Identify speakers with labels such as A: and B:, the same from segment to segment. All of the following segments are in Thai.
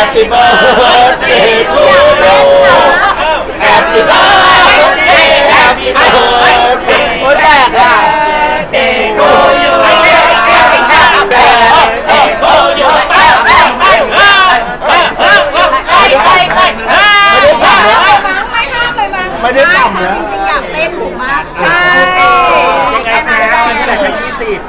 A: Happy birthday to you Happy birthday Happy birthday โอ้ยแปลกอ่ะ Birthday to you Happy birthday to you ไม่ได้สั่งแล้ว
B: ไม่ห้ามเลยมั้ง
A: ไม่ได้สั่งแล้ว
C: จริงๆอยากเต้นถูกมาก
B: ใช่
D: ยังไงนะเท่าไหร่คะ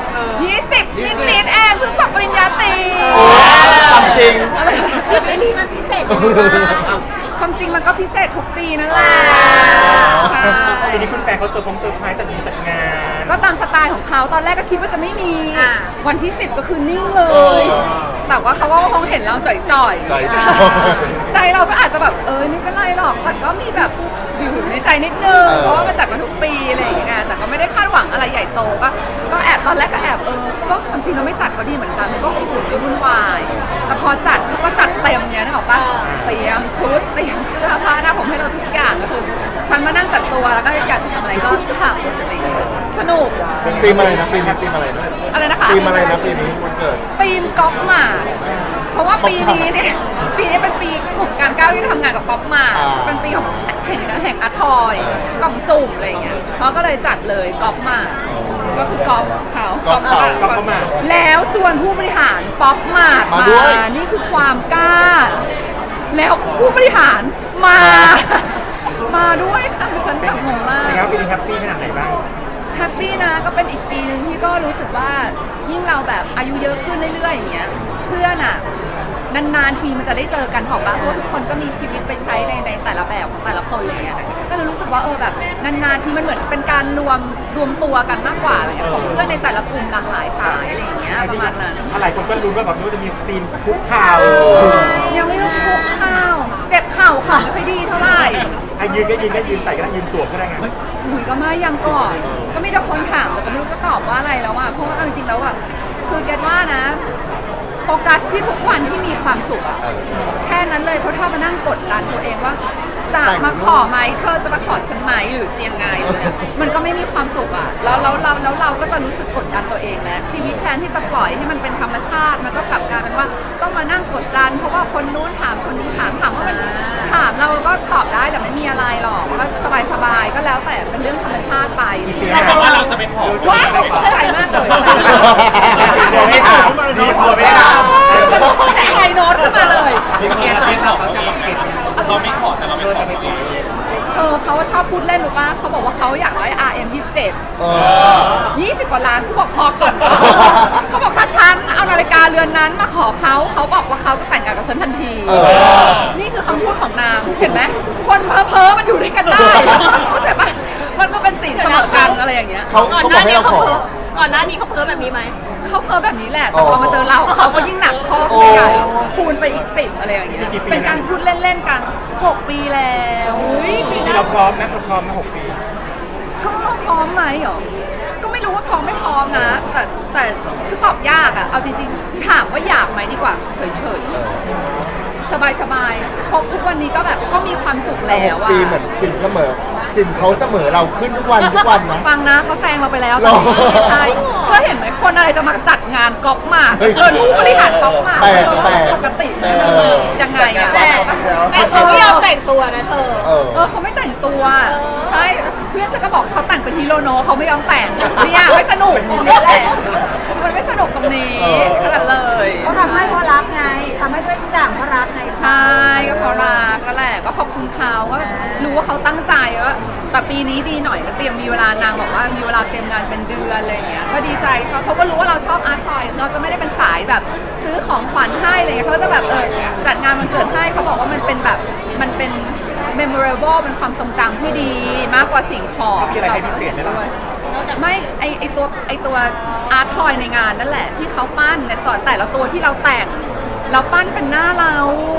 B: 20นิดๆเองเพิ่งจบปริญญาตรี
A: ทำจริง
C: อันนี้มันพิเศษยังไงบ้าง
B: ความจริงมันก็พิเศษทุกปีนั่นแหละ
D: ทีนี้คุณแฟนเขาเซอร์ไพรส์จัดงาน
B: ก็ตามสไตล์ของเขาตอนแรกก็คิดว่าจะไม่มีวันที่10ก็คือนิ่งเลย แต่ว่าเขาก็คงเห็นเราจ่อยๆใจเราก็อาจจะแบบไม่ใช่ไรหรอกแต่ก็มีแบบอยู่ในใจนิดนึงเพราะว่ามาจัดมาทุกปีอะไรอย่างเงี้ยแต่ก็ไม่ได้คาดหวังอะไรใหญ่โตก็แอบตอนแรกก็แอบก็ความจริงเราไม่จัดก็ดีเหมือนกันมันก็อุ่นก็วุ่นวายแต่พอจัดเขาก็จัดเต็มเนี้ยนึกออกปะเตรียมชุดเตรียมเสื้อผ้าหน้าผมให้เราทุกอย่างก็คือฉันมานั่งแต่งตัวแล้วก็อยากจะทำอะไรก็ทำอะไรอย่างเงี้ยสนุก
A: ตีมอะไรนะปีนี้ตีมอะไรนะ
B: อะไรนะคะ
A: ตีมอะไรนะปีนี้วันเกิด
B: ตีมก๊อฟมาเพราะว่าปีนี้เป็นปีของการก้าวที่ทำงานกับป๊อปมาเป็นปีของแห่งอาร์ทอยกล่องจุ่มอะไรอย่างเงี้ยเขาก็เลยจัดเลยก๊อฟมาก็คือกอล์ฟเขา
D: ก๊อฟมา
B: แล้วชวนผู้บริหารป๊อปมานี่คือความกล้าแล้วผู้บริหารมาด้วยค่ะฉันแบบงงมาก
D: แล้วปีนี้แฮปปี้ขนาดไหนบ้าง
B: แฮปปี้นะก็เป็นอีกปีหนึ่งที่ก็รู้สึกว่ายิ่งเราแบบอายุเยอะขึ้นเรื่อยๆอย่างเงี้ยเพื่อนอ่ะนานๆทีมันจะได้เจอกันหรอกปะเพราะทุกคนก็มีชีวิตไปใช้ในแต่ละแบบของแต่ละคนเลยอ่ะก็เลยรู้สึกว่าแบบนานๆทีมันเหมือนเป็นการรวมตัวกันมากกว่าอะไรของเพื่อนในแต่ละกลุ่มหลากหลายสายอะไรอย่างเงี้ยประมาณนั้น
D: อะไรคนก็รู้ว่าแบบนู้นจะมีซีนคุกเข่า
B: ยังไม่รู้คุกเข่าเจ็บเข่าค่ะไม่ค่อยดีเท่าไหร่
D: ยืนก็ยืนใส่ก็ได้ยืนสวมก็ได้ไง
B: ก็ไม่ยังก่อนก็ไม่ได้คนถามแต่ก็ไม่รู้จะตอบว่าอะไรแล้วอ่ะเพราะว่าจริงๆแล้วอ่ะคือแกว่านะโฟกัสที่ทุกวันที่มีความสุขอ่ะแค่นั้นเลยเพราะถ้ามานั่งกดดันตัวเองว่าจะมาขอไหมเธอจะมาขอฉันไหมหรือจะยังไงมันก็ไม่มีความสุขอ่ะแล้วเราก็จะรู้สึกกดดันตัวเองแล้วชีวิตแทนที่จะปล่อยให้มันเป็นธรรมชาติมันก็กลับกลายเป็นว่าต้องมานั่งกดดันเพราะว่าคนนู้นถามคนนี้ถามว่ามันถามเราก็ตอบได้แต่ไม่มีอะไรหรอกก็สบายๆก็แล้วแต่เป็นเรื่องธรรมชาติไป
D: แต่ว่าเราจะไปขอ
B: ว้าวใจมากเลย
D: ไม่ถามมีตัวไม่ถาม
B: ไอโน้ตขึ้นมาเลย
A: เขาจะมาเก็บ
D: เราไม่ขอแต่เราไม่
A: จะไปขอ
B: เขาชอบพูดเล่นหรือป่ะเขาบอกว่าเขาอยากได้ RM27 20 กว่าล้านเขาบอกพอก่อนเขาบอกถ้าฉันเอานาฬิกาเรือนนั้นมาขอเขาบอกว่าเขาจะแต่งงานกับฉันทันทีนี่คือคำพูดของนางเห็นไหมคนเพ้อมันอยู่ด้วยกันได้เข้าใจป่ะมันก็เป็นสิ่งเสมอกันอะไรอย่างเงี้ย
A: เขาบอกให้เราขอ
C: ก่อนหน้านี้เขาเพ้อแบบนี้ไหม
B: เขาเพ้อแบบนี้แหละแต่พอมาเจอเราเขาก็ยิ่งหนักข้อใหญ่คูณไปอีก10อะไรอย่างเงี้ยเป็นการพูดเล่นๆกัน6 ปีแล้ว
D: จริงๆเราพร้อมนะเราพร้อมมา6 ปี
B: ก็พร้อมไหมหรอก็ไม่รู้ว่าพร้อมไม่พร้อมนะแต่คือตอบยากอะเอาจริงๆถามว่าอยากไหมดีกว่าเฉยๆสบายๆพบทุกวันนี้ก็แบบก็มีความสุขแล้วอะ
A: ปีเหมือนสินเสมอสินเขาเสมอเราขึ้นทุกวันนะ
B: ฟังนะเขาแซงเราไปแล้วใช่ก็เห็นไหมคนอะไรจะมาจัดงานก๊อปมาเชิญผู้บริหารก๊อปมาปกติยังไงอะ
C: แต่เขาไม่ยอมแต่งตัวนะเธอ
B: เขาไม่แต่งตัวใช่เพื่อนฉันก็บอกเขาแต่งเป็นฮิโรโนะเขาไม่ยอมแต่งเนี่ยไม่สนุกตรงนี้แหละมันไม่สนุกตรงนี้ขนาดเลย
C: เขาทำให้เพราะรักไงทำให้ด้วยทุกอย่างเพราะรักไง
B: ใช่ก็เพราะรักก็แหละก็ขอบคุณเขาก็รู้ว่าเขาตั้งใจว่าแต่ปีนี้ดีหน่อยก็เตรียมมีเวลานางบอกว่ามีเวลาเตรียมงานเป็นเดือนอะไรอย่างเงี้ยก็ดีใจเขาก็รู้ว่าเราชอบอาร์ตทอยเราจะไม่ได้เป็นสายแบบซื้อของขวัญให้อะไรเงี้ยเขาจะแบบจัดงานวันเกิดให้เขาบอกว่ามันเป็นแบบมันเป็น memorable เป็นความทรงจำที่ดีมากกว่าสิ่งของ
D: มีอะไรให้พิเศษไหมล่ะ
B: ไม่ไอตัวอาร์ตทอยในงานนั่นแหละที่เขาปั้นในแต่ละตัวที่เราแต่งเราปั้นเป็นหน้าเรา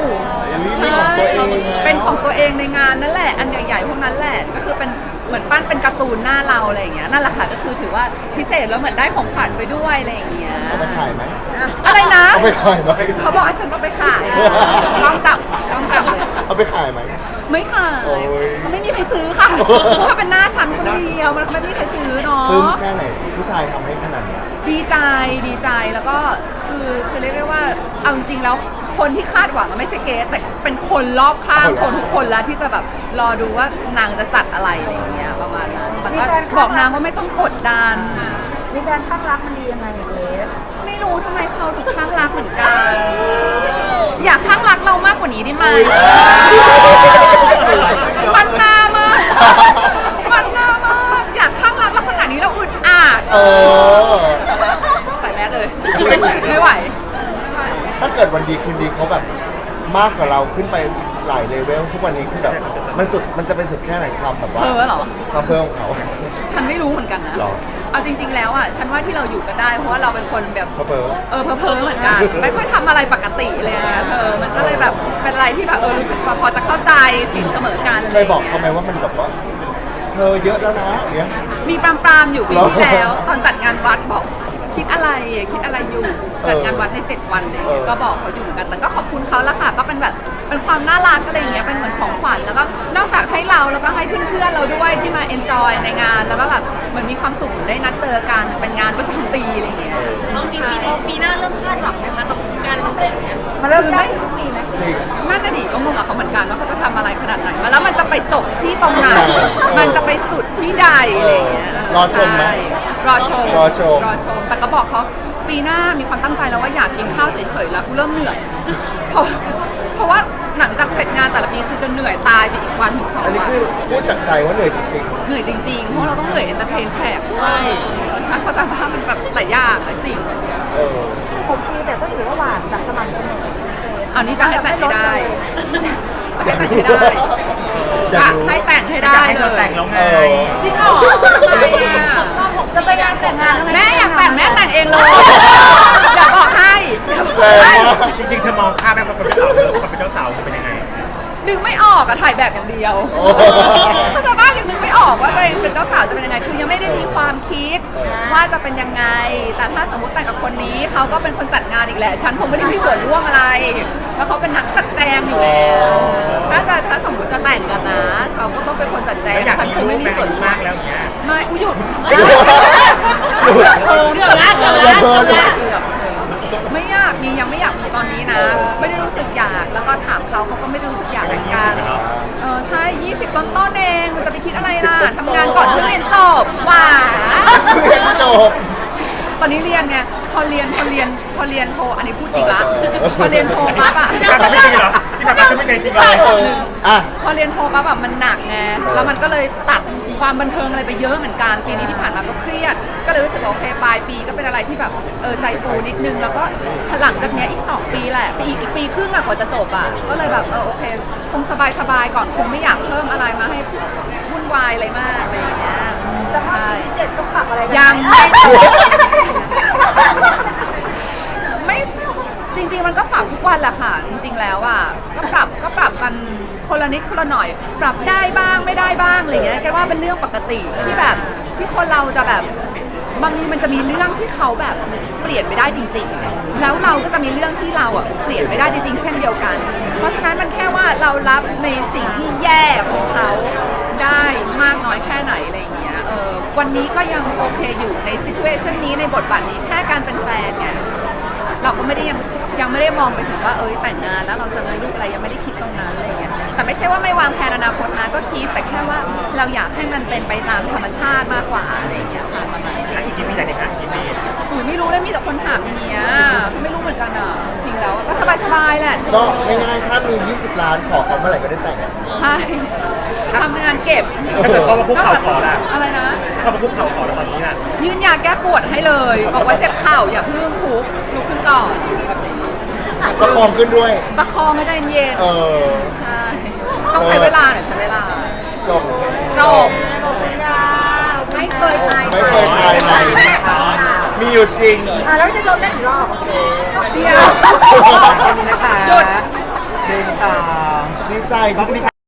B: เป็นของตัวเองในงานนั่นแหละอันใหญ่ๆพวกนั้นแหละก็คือเป็นเหมือนปั้นเป็นการ์ตูนหน้าเราอะไรอย่างเงี้ยนั่นแหละค่ะก็คือถือว่าพิเศษแล้วเหมือนได้ของขวัญไปด้วยอะไรอย่างเงี้ย
A: เอาไปขายไหม
B: อะไรนะ
A: เอาไปขายไหม
B: เขาบอกให้ฉันเอาไปขายต้องจับเลย
A: เอาไปขายไหม
B: ไม่ขายเขาไม่มีใครซื้อค่ะเพราะว่าเป็นหน้าฉันคนเดียวมันไม่มีใครซื้อเนาะ
A: ปลื้มแค่ไหนผู้ชายทำให้ขนาดนี้
B: ดีใจแล้วก็คือเรียกได้ว่าเอาจริงๆแล้วคคนที่คาดหวังไม่ใช่เกสแต่เป็นคนรอบข้างคนทุกคนแล้วที่จะแบบรอดูว่านางจะจัดอะไรอะไรอย่างเงี้ยประมาณนั้นแต่ก็บอกนางว่าไม่ต้องกดดัน
C: มีแฟนข้างรักมันดียังไงเกรซ
B: ไม่รู้ทำไมเขาถึงข้างรักเหมือนกัน อยากข้างรักเรามากกว่านี้ได้ไหมมันหน้ามากมันหน้ามากอยากข้างรักเราขนาดนี้เราอึดอัด
A: เออ
B: ใส่แมสเลย ไม่ไหว
A: ถ้าเกิดวันดีคืนดีเขาแบบมากกว่าเราขึ้นไปหลายเลเวลทุกวันนี้คือแบบมันจะเป็นสุดแค่ไหนความแบบว่า
B: เพ้อเหรอ
A: ความเพิ่มของเขา
B: ฉันไม่รู้เหมือนกันนะ
A: หรอ
B: เอาจริง ๆ แล้วอ่ะ ฉันว่าที่เราอยู่กันได้ เพราะว่าเราเป็นคนแบบ
A: เพ้อ
B: เพ้อเหมือนกัน ไม่ค่อยทำอะไรปกติเลยอะมันก็เลยแบบเป็นอะไรที่แบบรู้สึกว่าพอจะเข้าใจสิ่งเสมอกัน
A: เคยบอกเขาไหมว่ามันแบบว่าเธอเยอะแล้วนะอย่างเงี้ย
B: มีปรามๆอยู่ปีที่แล้ว ตอนจัดงานวัดบอกคิดอะไรอยู่จัดงานวัดใน7 วันเลยก็บอกเขาอยู่เหมือนกันแต่ก็ขอบคุณเขาละค่ะก็เป็นแบบเป็นความน่ารักอะไรอย่างเงี้ยเป็นเหมือนของขวัญแล้วก็นอกจากให้เราแล้วก็ให้เพื่อนๆเราด้วยที่มาเอนจอยในงานแล้วก็แบบเหมือนมีความสุขได้นัดเจอกันเป็นงานประจำปีอะไรอย่างเงี้ย
C: เอาจริงปีหน้าเริ่มคาดหวังนะคะกับการทำเต้นเนี่ย
B: มันเริ่มได้
C: ทุกปีไหม
A: จริง
B: น่าจะดีก็งงกับเขาเหมือนกันว่าเขาจะทำอะไรขนาดไหนมาแล้วมันจะไปจบที่ตรงไหนมันจะไปสุดที่ใดอะไรอย่างเงี้ย
A: รอชมไหม
B: ใรอชม
A: รอชม
B: แต่ก็บอกเขาปีหน้ามีความตั้งใจแล้วว่าอยากกินข้าวเฉยๆแล้วกูเริ่มเหนื่อยเพราะว่าหลังจากเสร็จงานแต่ละปีคือจะเหนื่อยตายไปอีกวันถึง2
A: อันนี้
B: วัน
A: คือพูดจากใจว่าเหนื่อยจริง
B: เหนื่อยจริงๆเพราะเราต้องเหนื่อยเอนเตอร์เทนแขกด้วยฉันเข้าใจว่ามันแบบหลายอย่างหลายสิ่ง
A: ๆ
C: 6 ปีแต่ก็ถือว่าหวานแบบสม่ำเสมอใช่ไหมเกรซ
B: เอานี้จะให้แต่งให้ได้จะให้แต่งให้ได้
A: อยากรู้
B: ให้แต่งให้
D: อ
B: ได้
D: ยากให้
B: เล
D: เธอแต่
B: ย
D: งแล้วไง
B: จริงเหรอทำไมอ่ะ
C: จะไปงานแต่งงาน
B: แม่อยากแต่งแม่แต่งเองเลยอย่าบอกให้อย่าบอก
A: แรง
B: ให้
A: มาก
D: จริงๆเธอมองภาพแบบคนเป็นสาวคนเป็นเจ้าสาวจะเป็นยังไง
B: นึกไม่ออกอะถ่ายแบบอย่างเดียว
A: โอ้
B: เข้าใจบ้านยังนึกไม่ออกว่าตัวเองเป็นเจ้าสาวจะเป็นยังไงคือยังไม่ได้มีความคิดว่าจะเป็นยังไง แต่ถ้าสมมติแต่งกับคนนี้เขาก็เป็นคนจัดงานอีกแหละฉันคงไม่ได้มีส่วนร่วมอะไรเพราะเขาเป็นนักจัดแจงอยู่แล้วถ้าสมมติจะแต่งกันนะเขาก็ต้องเป็นคนจัดแจง
D: แล้วอยาก
B: ฉัน
D: มี
B: คง
D: ลู
B: ไม่
D: ก
B: มี
D: แม่
B: ส่วน
D: อายุ
B: ร่ว
D: มาม กแล้วอย่างเงี้ย
B: ไม่อุ้ยหยุด
A: เกือบแล้ว
B: ไม่อยากมียังไม่อยากมีตอนนี้นะ ไม่ได้รู้สึกอยากแล้วก็ถามเขาเขาก็ไม่ได้รู้สึกอยากเหมือนกันใช่ 20 ต้นๆเองมันจะไปคิดอะไรล่ะทำงานก่อนเพื่อเรียนจบหว่า
A: เรียนจบ
B: ตอนนี้เรียนไงพอเรียนโทอันนี้พูดจริงละพอเรียนโทปั๊บอะ
D: ที่ผ่านมาไม่จริงเหรอที่ผ่านมาจะไม่จริงเหรอ
A: อ่ะ
B: พอเรียนโทปั๊บแบบมันหนักไงแล้วมันก็เลยตัดความบันเทิงอะไรไปเยอะเหมือนกันปีนี้ที่ผ่านมาก็เครียด ก็เลยรู้สึกว่าโอเคปลายปีก็เป็นอะไรที่แบบใจฟูนิดนึงแล้วก็หลังจากเนี้ยอีก2 ปีแหละอีกปีครึ่งอะกว่าจะจบอะก็เลยแบบโอเคคงสบายก่อนคงไม่อยากเพิ่มอะไรมาให้วุ่นวายอะไรมากอะไรอย่างเงี้ย
C: จะเข้าปีที่7ต้องปรับอะไรกันห
B: ยังไม่จบ ไม่จริงๆมันก็ปรับทุกวันแหละค่ะ จริงๆแล้วอ่ะก็ปรับกันคนละนิดคนละหน่อย ปรับได้บ้างไม่ได้บ้างอะไรอย่างเงี้ยแกว่าเป็นเรื่องปกติที่แบบที่คนเราจะแบบบางทีมันจะมีเรื่องที่เขาแบบเปลี่ยนไม่ได้จริงๆแล้วเราก็จะมีเรื่องที่เราอ่ะเปลี่ยนไม่ได้จริงๆเช่นเดียวกัน เพราะฉะนั้นมันแค่ว่าเรารับในสิ่งที่แย่ของเขาได้มากน้อยแค่ไหนอะไรอย่างเงี้ยวันนี้ก็ยังโอเคอยู่ในซิทูเอชันนี้ในบทบาทนี้แค่การเป็นแฟนไงเราก็ไม่ได้ยังไม่ได้มองไปถึงว่าแต่งงานแล้วเราจะมีลูกอะไรยังไม่ได้คิดตรงนั้นอะไรเงี้ยแต่ไม่ใช่ว่าไม่วางแผนอนาคตนะก็คิดแต่แค่ว่าเราอยากให้มันเป็นไปตามธรรมชาติมากกว่าอะไรเงี้ยค่ะประมาณนั้น
D: อีกกี่ปีแต่งงานอีกกี่ปี
B: ไม่รู้เลยมีแต่คนถามอย่างเงี้ยไม่รู้เหมือนกันอ่ะจริงแล้วก็สบายๆแหละ
A: ก็ง่ายๆถ้ามี 20 ล้านขอเขาเมื่อไหร่ก็ได้แต่ง
B: ใช่ทำงานเก็บ
D: ถ้าเกิดเขามาคุกเข่าขอละ
B: อะไรนะ
D: เขามาคุกเข่าขอแล้วตอนนี้น่ะ
B: ยื่นยาแก้ปวดให้เลยบอกว่าเจ็บเข่าอย่าเพิ่งคุกลุกขึ้นก่อนแบบนี้
A: ประคองขึ้นด้วย
B: ประคองไม่ได้เย็น ใช่ต้องใช้เวลาหน่อยใช้เวลา
A: จบ
B: จบ
C: ไม่เคยตาย
A: ไม่เคยตายไหนมีอยู่จริง
C: แล้วจะชมได้กี่รอบเดียว
D: แค่นี้นะคะ
B: หยุด
D: 1 2
A: ดีใจ
D: บล็อกนี้